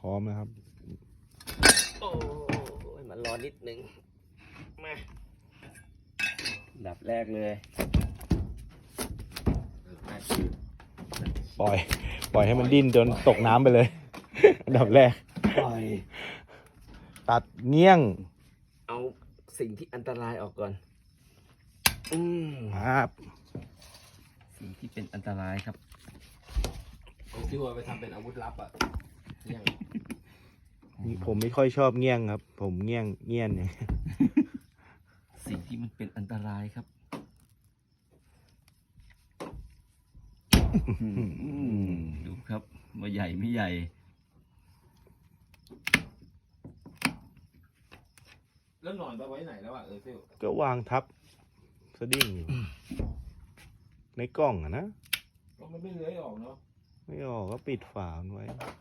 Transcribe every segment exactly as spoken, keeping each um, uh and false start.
ร้อมนะครับโอ้ยมันรอนิดนึงมาดับแรกเลยปล่อย ปล่อยให้มันดิ้นจนตกน้ำไปเลย อันดับแรกปล่อยตัดเงี้ยงเอาสิ่งที่อันตรายออกก่อน อืมครับสิ่งที่เป็นอันตรายครับที่ว่าไปทำเป็นอาวุธลับอ่ะเนี่ยผมไม่ค่อยชอบเงี้ยงครับ ผมเงี้ยงเงี้ยนเนี่ยสิ่งที่มันเป็นอันตรายครับดูครับว่าใหญ่ไม่ใหญ่แล้วหนอนไปไว้ไหนแล้วอ่ะเออซิลก็วางทับสดิ้งอยู่ ในกล้องอะนะก็มันไม่เลื้อยออกเนาะไม่ออกก็ปิดฝามันไว้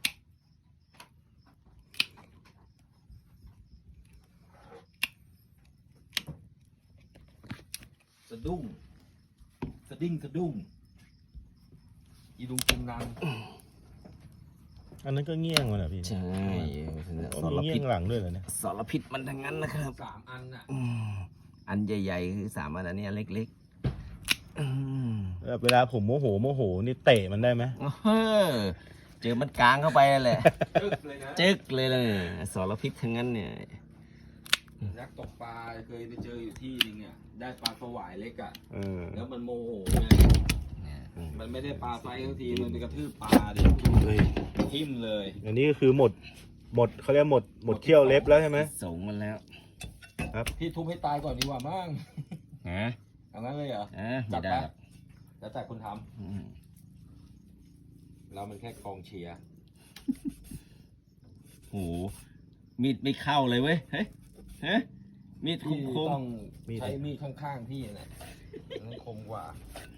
สะดุ้งสะดิ้งสะดุ้งอีดุงตุงนางอันนั้นก็เงี้ยงมันเหรอพี่ใช่อ๋อสารมีเงี้พิยษงหลังด้วยเหรอเนี่ยสารพิษมันทั้งนั้นนะครับสามอันอ่ะอืมอันใหญ่ๆคือสามอันอันนี้อันเล็กๆอืมแบบเวลาผมโมโหโมโหนี่เตะมันได้ไหมเออเจอมันกลางเข้าไปนั่นแหละจึ๊กเลยนะจึ๊กเลยเลยสารพิษทั้งนั้นเนี่ยนักตกปลาเคยไปเจออยู่ที่นึงอ่ะได้ปลาสวายเล็กอ่ะเออแล้วมันโมโหไงมันไม่ได้ปลาไซส์ทั้งทีมันไปกระทืบปลาดิเฮ้ยทิ่มเลยอันนี้ก็คือหมด หมดเขาเรียกหมด หมดเขี้ยวเล็บแล้วใช่ไหมสงมันแล้วพี่ทุบให้ตายก่อนดีกว่ามั้งฮะเอางั้นเลยเหรออ่ะไม่ได้หรอกแล้วแต่คุณทอืมำเรามันแค่กองเชียร์โหมีดไม่เข้าเลยเว้ยเฮ้ยเฮ้ยมีดคพี่มต้องมีดใช้มีดข้างๆพี่นะมันคมกว่า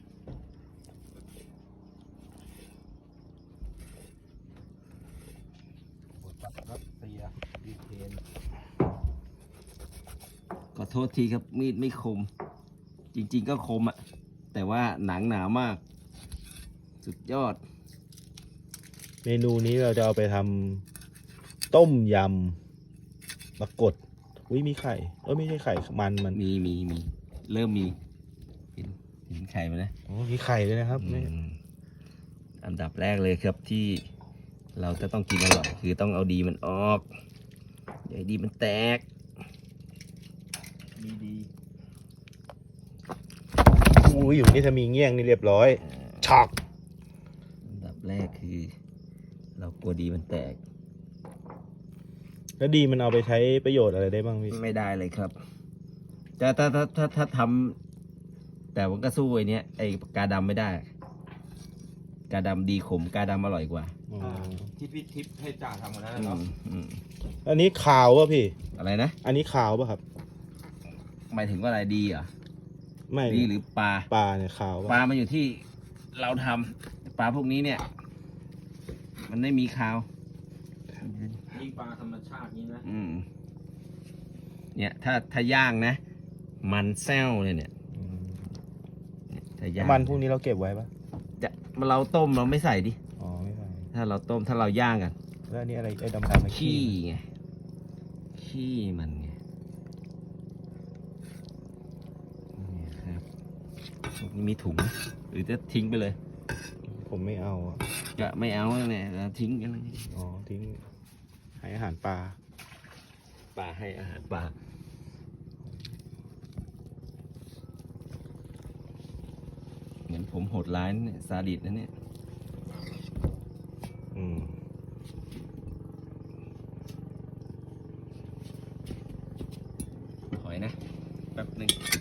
ครับเสียยูเครนๆขอโทษทีครับมีดไม่คม จริงๆก็คมอะแต่ว่าหนังหนามาก สุดยอดเมนูนี้เราจะเอาไปทำต้มยำปรากฏอุ้ยมีไข่ เออไม่ใช่ไข่ มันมันมีมีมีเริ่มมีเห็นเห็นไข่ไหมนะอ๋อมีไข่ด้วยนะครับนี่อืมอันดับแรกเลยครับที่เราจะต้องกินอร่อยคือต้องเอาดีมันออกอย่าให้ดีมันแตกมีดีอุ้ยอยู่นี่ถ้ามีเงี้ยงนี่เรียบร้อยช็อกอันดับแรกคือ เรากลัวดีมันแตกแล้วดีมันเอาไปใช้ประโยชน์อะไรได้บ้างพี่ไม่ได้เลยครับแต่ถ้าถ้าถ้าถ้าทำแต่มันก็สู้ไอ้เนี้ยไอ้กาดำไม่ได้ กาดำดีขมกาดำอร่อยกว่าอ๋อที่พี่ทิพย์ให้จ่าทำกันนั้นอืเนาะมอืมอันนี้ขาวป่ะพี่อะไรนะอันนี้ขาวป่ะครับหมายถึงว่าอะไรดีเหรอไม่ดีหรือปลาปลาเนี่ยขาวปลาป่ะมันอยู่ที่เราทำปลาพวกนี้เนี่ย มันไม่มีคาวยิ่งปลาธรรมชาตินี้นะอืมเนี่ยถ้าถ้าย่างนะ มันแซวเลยเนี่ยอืมเนี่ยถ้าย่างมันพวกนี้เราเก็บไว้ป่ะจะเราต้มเราไม่ใส่ดิอ๋อไม่ใช่ถ้าเราต้มถ้าเราย่างกันแล้วอันนี้อะไรไอ้ดำๆนะขี้ไงขี้มันไงเนี่ยครับพวกนี้มีถุงหรือจะทิ้งไปเลยผมไม่เอาอ่ะจะไม่เอาเนี่ยเราทิ้งกันเลยอ๋อทิ้งให้อาหารปลาปลาให้อาหารปลาเหมือนผมโหดร้ายนะเนี่ยซาดิสนะเนี่ยอืมถอยนะ แป๊บหนึ่ง